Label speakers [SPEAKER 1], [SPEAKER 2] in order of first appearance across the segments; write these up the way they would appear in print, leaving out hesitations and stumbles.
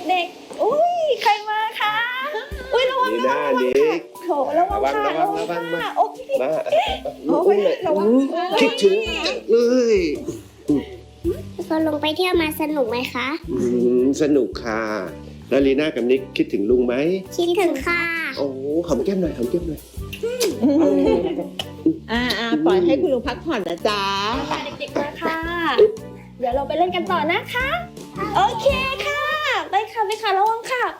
[SPEAKER 1] เด็กๆอุ้ยใครมาคะอุ้ยระวัง
[SPEAKER 2] นี่
[SPEAKER 1] ระ
[SPEAKER 2] ห
[SPEAKER 1] วั
[SPEAKER 2] น้าง นี้
[SPEAKER 1] โถระวังค่ะ
[SPEAKER 2] ระวังมา
[SPEAKER 1] โอ้ย
[SPEAKER 2] มา
[SPEAKER 1] โอ้ยระวัง
[SPEAKER 2] คิดถึงเลย
[SPEAKER 3] ก็ลงไปเที่ยวมาสนุกไหมคะ
[SPEAKER 2] สนุกค่ะแล้วลีน่ากับนิกคิดถึงลุงไหม
[SPEAKER 3] คิดถึงค่ะ
[SPEAKER 2] โอ้หอมแก้มหน่อยหอมแก้มหน่อย
[SPEAKER 4] ปล่อยให้คุณลุงพักผ่อนนะจ๊ะ
[SPEAKER 1] ค่ะเด็กๆมาค่ะ เดี๋ยวเราไปเล่นกันต่อนะคะ โอเคค่ะ ไปค่ะไปค่ะระวังค่ะไป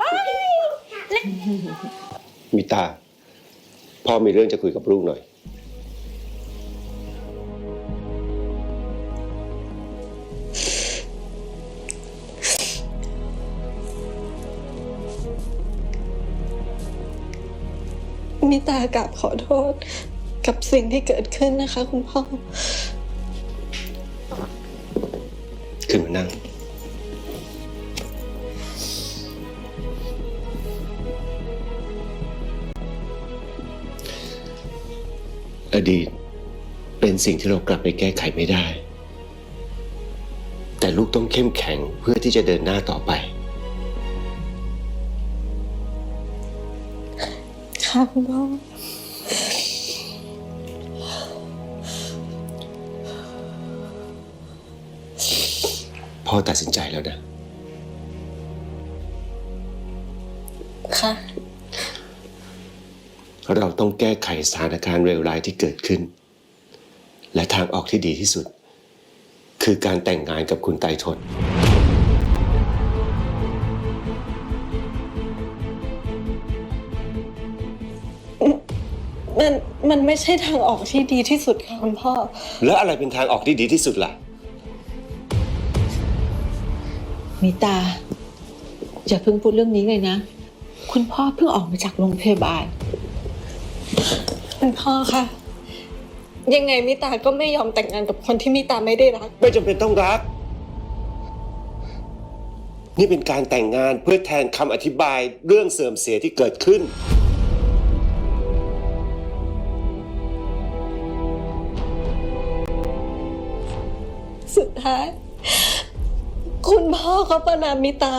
[SPEAKER 2] มิตาพ่อมีเรื่องจะคุยกับลูกหน่อย
[SPEAKER 5] มิตากราบขอโทษกับสิ่งที่เกิดขึ้นนะคะคุณพ่อ
[SPEAKER 2] ขึ้นมานั่งอดีตเป็นสิ่งที่เรากลับไปแก้ไขไม่ได้ แต่ลูกต้องเข้มแข็งเพื่อที่จะเดินหน้าต่อไป
[SPEAKER 5] ค่ะคุณพ่อ
[SPEAKER 2] พ่อตัดสินใจแล้วนะ
[SPEAKER 5] ค่ะ
[SPEAKER 2] เราต้องแก้ไขสถานการณ์เลวร้ายที่เกิดขึ้น และทางออกที่ดีที่สุด คือการแต่งงานกับคุณไตรทน
[SPEAKER 5] มันไม่ใช่ทางออกที่ดีที่สุดค่ะคุณพ่อ
[SPEAKER 2] แล้วอะไรเป็นทางออกที่ดีที่สุดล่ะ
[SPEAKER 4] มิตา อย่าเพิ่งพูดเรื่องนี้เลยนะ คุณพ่อเพิ่งออกมาจากโรงพยาบาล
[SPEAKER 5] คุณพ่อคะยังไงมิตาก็ไม่ยอมแต่งงานกับคนที่มิตาไม่ได้รัก
[SPEAKER 2] ไม่จำเป็นต้องรัก นี่เป็นการแต่งงานเพื่อแทนคำอธิบายเรื่องเสื่อมเสียที่เกิดขึ้น
[SPEAKER 5] สุดท้าย คุณพ่อเขาประนามมิตา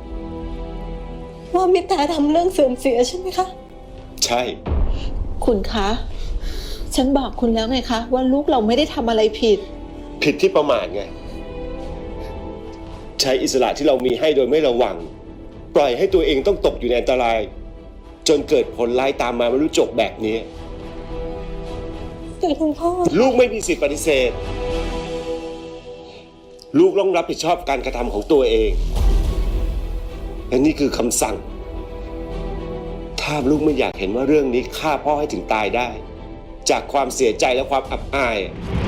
[SPEAKER 5] ว่ามิตาทำเรื่องเสื่อมเสียใช่ไหมคะ
[SPEAKER 2] ใช่
[SPEAKER 4] คุณคะ ฉันบอกคุณแล้วไงคะ ว่าลูกเราไม่ได้ทำอะไรผิด
[SPEAKER 2] ผิดที่ประมาทไง ใช้อิสระที่เรามีให้โดยไม่ระวัง ปล่อยให้ตัวเองต้องตกอยู่ในอันตราย จนเกิดผลร้ายตามมาไม่รู้จบแบบนี้
[SPEAKER 5] แต่คุณพ่อ
[SPEAKER 2] ลูกไม่มีสิทธิปฏิเสธ ลูกต้องรับผิดชอบการกระทำของตัวเอง และนี่คือคำสั่ง ถ้าลูกไม่อยากเห็นว่าเรื่องนี้ฆ่าพ่อให้ถึงตายได้ จากความเสียใจและความอับอาย